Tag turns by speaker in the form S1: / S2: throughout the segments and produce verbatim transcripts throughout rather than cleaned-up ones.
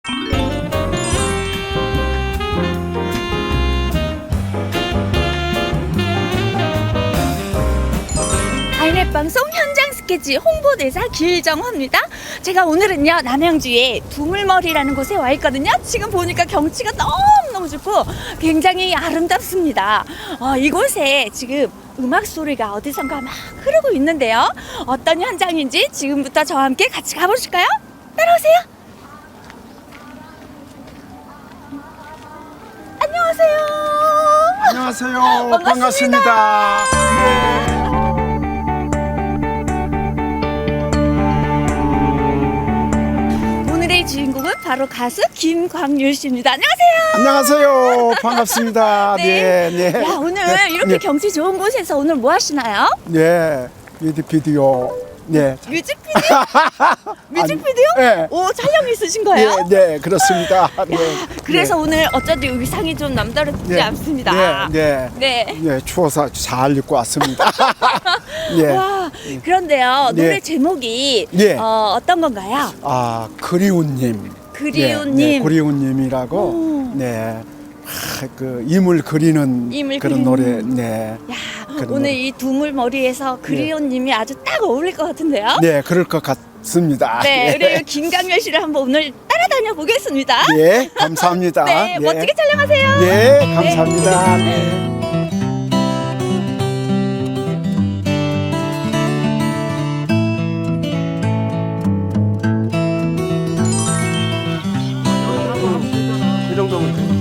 S1: 아이넷 방송 현장 스케치 홍보대사 길정화입니다. 제가 오늘은요 남양주의 두물머리라는 곳에 와 있거든요. 지금 보니까 경치가 너무너무 좋고 굉장히 아름답습니다. 어, 이곳에 지금 음악 소리가 어디선가 막 흐르고 있는데요. 어떤 현장인지 지금부터 저와 함께 같이 가보실까요? 따라오세요. 안녕하세요.
S2: 안녕하세요.
S1: 반갑습니다.
S2: 반갑습니다. 네.
S1: 오늘의 주인공은 바로 가수 김광률 씨입니다. 안녕하세요.
S2: 안녕하세요. 반갑습니다.
S1: 네.
S2: 네, 네.
S1: 야, 오늘
S2: 네,
S1: 이렇게
S2: 네.
S1: 경치 좋은 곳에서 오늘 뭐 하시나요?
S2: 네, 뮤직비디오. 네.
S1: 뮤직비디오? 뮤직비디오?
S2: 네.
S1: 오, 촬영 있으신 거예요?
S2: 네, 네, 그렇습니다. 네.
S1: 그래서
S2: 네.
S1: 오늘 어쩐지 의상이 좀 남다르지
S2: 네.
S1: 않습니다.
S2: 네, 네.
S1: 네.
S2: 네, 추워서 잘 입고 왔습니다. 네.
S1: 와, 그런데요,
S2: 네.
S1: 노래 제목이
S2: 네.
S1: 어, 어떤 건가요?
S2: 아, 그리운님.
S1: 그리운님.
S2: 네, 네, 그리운님이라고.
S1: 오.
S2: 네. 아, 그 임을 그리는
S1: 임을
S2: 그런
S1: 그리는.
S2: 노래. 네.
S1: 야,
S2: 그런
S1: 오늘
S2: 노래.
S1: 이 두물머리에서 그리운님이 아주 딱 어울릴 것 같은데요?
S2: 네, 그럴 것 같습니다.
S1: 네, 우리 김광열 씨를 한번 오늘 따라다녀 보겠습니다.
S2: 예, 감사합니다.
S1: 네,
S2: 예.
S1: 멋지게 촬영하세요.
S2: 예, 감사합니다. 네. 이 정도면 돼.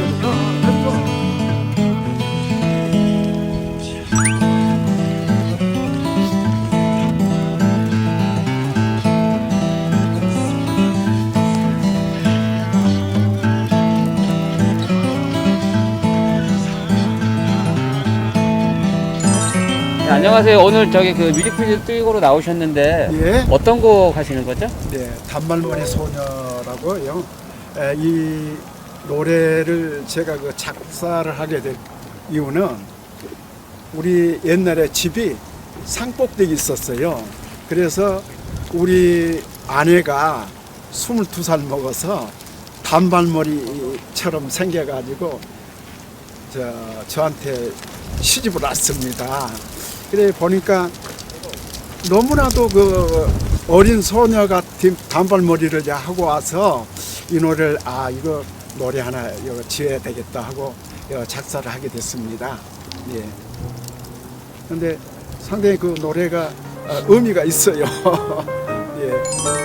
S3: 네, 안녕하세요. 오늘 저기 그 뮤직비디오 찍으러 나오셨는데
S2: 예.
S3: 어떤 곡 하시는 거죠?
S2: 네, 단발머리 소녀라고요. 에, 이 노래를 제가 그 작사를 하게 된 이유는 우리 옛날에 집이 산꼭대기 있었어요. 그래서 우리 아내가 스물두 살 먹어서 단발머리처럼 생겨가지고 저, 저한테 시집을 왔습니다. 그래 보니까 너무나도 그 어린 소녀 같은 단발머리를 이제 하고 와서 이 노래를 아 이거 노래 하나 이거 지어야 되겠다 하고 이거 작사를 하게 됐습니다. 예. 근데 상당히 그 노래가 어, 의미가 있어요. 예.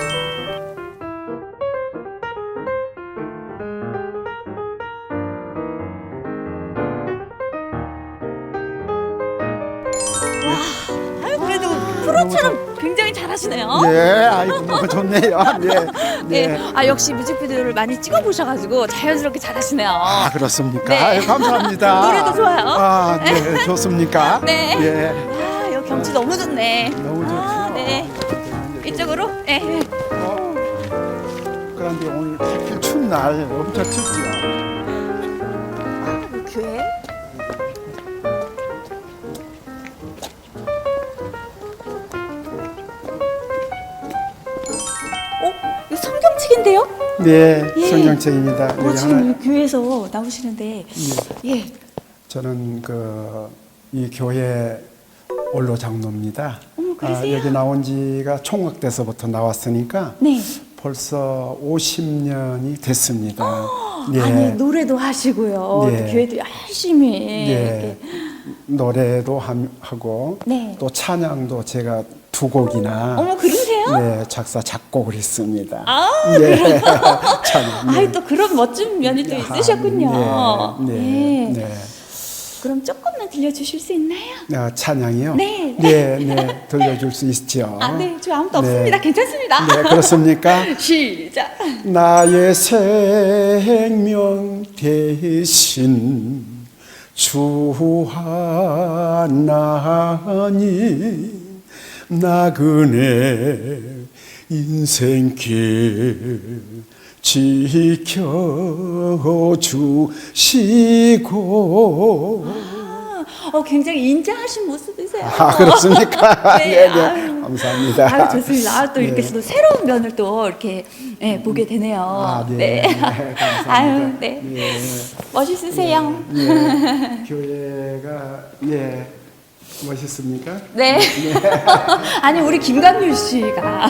S1: 아유, 그래도 프로처럼 굉장히 잘하시네요.
S2: 예, 아이고 너무 좋네요. 예.
S1: 네.
S2: 예.
S1: 아, 역시 뮤직비디오를 많이 찍어보셔가지고 자연스럽게 잘하시네요.
S2: 아 그렇습니까?
S1: 네.
S2: 아유, 감사합니다.
S1: 노래도 좋아요.
S2: 아, 네, 좋습니까?
S1: 네.
S2: 예.
S1: 아, 여기 경치 너무 좋네.
S2: 너무 좋죠.
S1: 아, 네. 이쪽으로? 네.
S2: 어, 그런데 오늘 하필 추운 날 엄청 춥지요.
S1: 그 교회? 어? 이거 성경책인데요?
S2: 네,
S1: 예.
S2: 성경책입니다.
S1: 어,
S2: 여기
S1: 지금
S2: 하나,
S1: 이 교회에서 나오시는데, 예.
S2: 저는 그 이 교회 원로 장로입니다.
S1: 어머, 그러세요?
S2: 여기 나온 지가 총각돼서부터 나왔으니까
S1: 네.
S2: 벌써 오십 년이 됐습니다. 예.
S1: 아니, 노래도 하시고요.
S2: 네.
S1: 또 교회도 열심히.
S2: 네.
S1: 이렇게.
S2: 노래도 함- 하고
S1: 네.
S2: 또 찬양도 제가 두 곡이나
S1: 어머, 그러세요?
S2: 네, 작사 작곡을 했습니다.
S1: 아,
S2: 네. 찬양.
S1: 아이, 또 그런 멋진 면이 또 있으셨군요.
S2: 네, 네,
S1: 예.
S2: 네.
S1: 그럼 조금만 들려주실 수 있나요?
S2: 아, 찬양이요?
S1: 네.
S2: 네, 네, 들려줄 수 있죠.
S1: 아, 네. 저 아무도
S2: 네.
S1: 없습니다. 괜찮습니다.
S2: 네, 그렇습니까?
S1: 시작.
S2: 나의 생명 대신 주 하나님 나그네 인생길 지켜주시고
S1: 아, 어, 굉장히 인자하신 모습이세요.
S2: 아 그렇습니까?
S1: 네,
S2: 네, 네.
S1: 아유,
S2: 감사합니다.
S1: 아유, 좋습니다. 아, 또 이렇게
S2: 네.
S1: 또 새로운 면을 또 이렇게 예, 보게 되네요.
S2: 아, 네. 감사합니다.
S1: 아유, 네.
S2: 예.
S1: 멋있으세요.
S2: 예. 교회가 예. 멋있습니까?
S1: 네. 아니, 우리 김강률 씨가.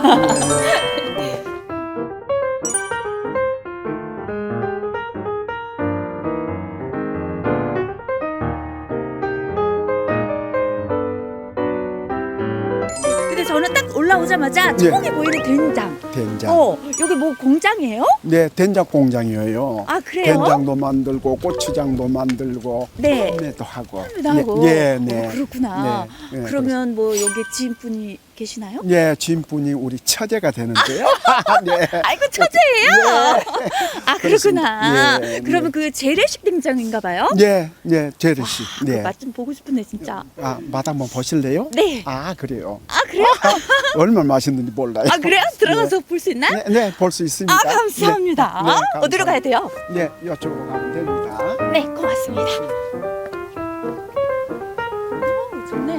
S1: 근데 저는 딱 올라오자마자
S2: 네.
S1: 처음에 보이는 된장.
S2: 된장.
S1: 어, 여기 뭐 공장이에요?
S2: 네, 된장 공장이에요.
S1: 아, 그래요?
S2: 된장도 만들고 고추장도 만들고
S1: 네.
S2: 네, 또 하고.
S1: 나고.
S2: 네, 네.
S1: 어, 그렇구나.
S2: 네, 네,
S1: 그러면 뭐 여기 지인분이 계시나요?
S2: 예, 지인분이 우리 처제가 되는데요. 네.
S1: 아이고, 처제예요. 아, 그렇구나.
S2: 그렇습니다. 예,
S1: 그러면 그 재래식 된장인가 봐요?
S2: 네, 네, 제르 씨.
S1: 네.
S2: 네.
S1: 맛 좀 보고 싶은데 진짜.
S2: 아, 맛 한번 보실래요?
S1: 네.
S2: 아, 그래요.
S1: 아, 그래요?
S2: 얼마나 맛있는지 몰라요.
S1: 아, 그래요? 들어가서 볼 수 있나요?
S2: 네, 네, 볼 수 있습니다.
S1: 아, 감사합니다.
S2: 네, 네, 감사합니다.
S1: 어디로 가야 돼요?
S2: 네, 이쪽으로 가면 됩니다.
S1: 네, 고맙습니다. 오, 좋네.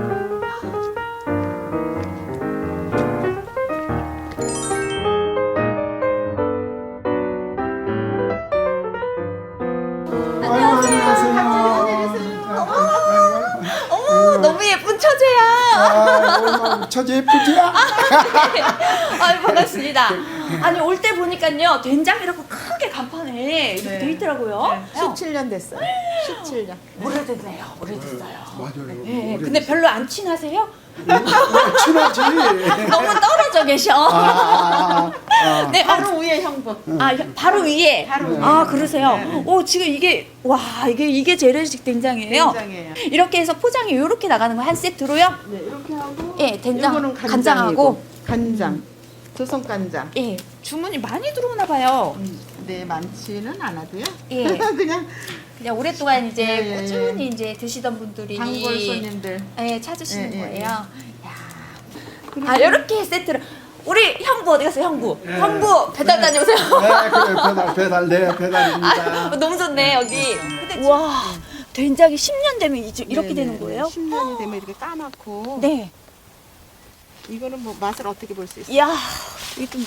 S1: 어머, 너무 예쁜 처제야.
S2: 아, 처제 예쁘지요?
S1: 아유, 반갑습니다. 아니, 올 때 보니까요, 된장이라고 크게 간판에 이렇게
S4: 네.
S1: 돼 있더라고요.
S4: 십칠 년 됐어요. 십칠 년.
S1: 오래됐네요. 오래됐어요.
S2: 맞아요.
S1: 네, 근데 별로 안 친하세요?
S2: 친하지.
S1: 너무 떨어져 계셔.
S2: 아, 아,
S1: 네, 아,
S4: 바로 위에 형부.
S1: 아, 바로 위에.
S4: 바로 위에.
S1: 아, 그러세요.
S4: 네, 네.
S1: 오, 지금 이게 와, 이게 이게 재래식 된장이에요.
S4: 된장이에요.
S1: 이렇게 해서 포장이 이렇게 나가는 거 한 세트로요?
S4: 네, 이렇게 하고.
S1: 예, 된장,
S4: 이거는
S1: 간장하고.
S4: 간장하고. 간장. 조선 간장.
S1: 예, 주문이 많이 들어오나 봐요.
S4: 음, 네, 많지는 않아도요.
S1: 예.
S4: 그냥
S1: 그냥 오랫동안 이제
S4: 예, 예, 예.
S1: 꾸준히 이제 드시던 분들이
S4: 단골 손님들.
S1: 예, 찾으시는
S4: 예, 예,
S1: 거예요.
S4: 예.
S1: 야. 아, 이렇게 세트로. 우리 형부 어디 갔어요, 형부? 형부 배달 다녀오세요.
S2: 네, 그래 배달 배달 네 배달입니다.
S1: 아, 너무 좋네, 여기. 근데 와, 된장이 십 년 되면 이제 이렇게
S4: 네,
S1: 되는
S4: 네,
S1: 거예요?
S4: 십 년이 되면 이렇게 까맣고.
S1: 네.
S4: 이거는 뭐 맛을 어떻게 볼 수 있어요?
S1: 이야, 이게 좀.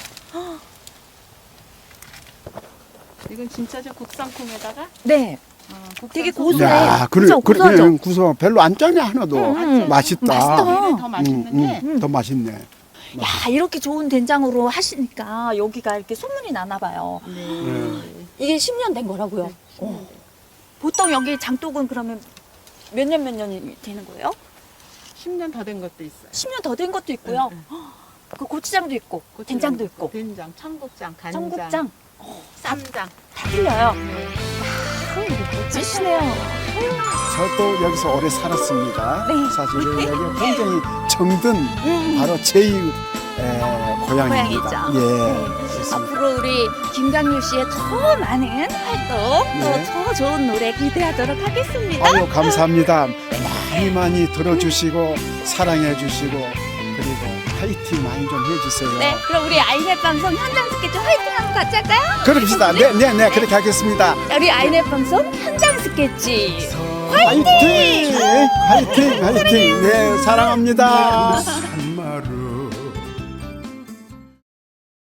S4: 이건 진짜 저 국산콩에다가
S1: 네.
S4: 어, 국산
S1: 되게
S4: 소스.
S1: 고소해.
S2: 야, 그래,
S1: 그죠?
S2: 그래,
S1: 고소하죠?
S2: 예, 구수 별로 안 짜네 하나도.
S1: 음,
S2: 맛있다.
S1: 맛있다.
S4: 오히려 더 맛있는
S2: 음,
S4: 게
S2: 음, 더 맛있네.
S1: 야, 이렇게 좋은 된장으로 하시니까 여기가 이렇게 소문이 나나 봐요.
S4: 네.
S1: 이게 십 년 된 거라고요. 어. 보통 여기 장독은 그러면 몇 년 몇 년이 되는 거예요?
S4: 십 년 더 된 것도 있어요.
S1: 십 년 더 된 것도 있고요.
S4: 응,
S1: 그 고추장도 있고, 된장도 있고,
S4: 된장, 청국장, 간장,
S1: 청국장
S4: 쌈장.
S1: 다 틀려요.
S4: 네.
S1: 아, 멋지시네요.
S2: 저도 여기서 오래 살았습니다.
S1: 네.
S2: 사실은 여기 굉장히 정든
S1: 음.
S2: 바로 제이 에, 고향입니다.
S1: 고향이죠.
S2: 예.
S1: 네.
S2: 그렇습니다.
S1: 앞으로 우리 김강률 씨의 더 많은 활동,
S2: 네.
S1: 또 더 좋은 노래 기대하도록 하겠습니다.
S2: 아유, 감사합니다. 많이 많이 들어주시고 사랑해 주시고 그리고 파이팅 많이 좀 해주세요.
S1: 네, 그럼 우리 아이넷 방송 현장 스케치 화이팅 한번 같이 할까요?
S2: 그럽시다. 네, 네, 네, 그렇게 하겠습니다.
S1: 우리 아이넷 방송 현장 스케치
S2: 화이팅! 화이팅! 화이팅! 네, 사랑합니다.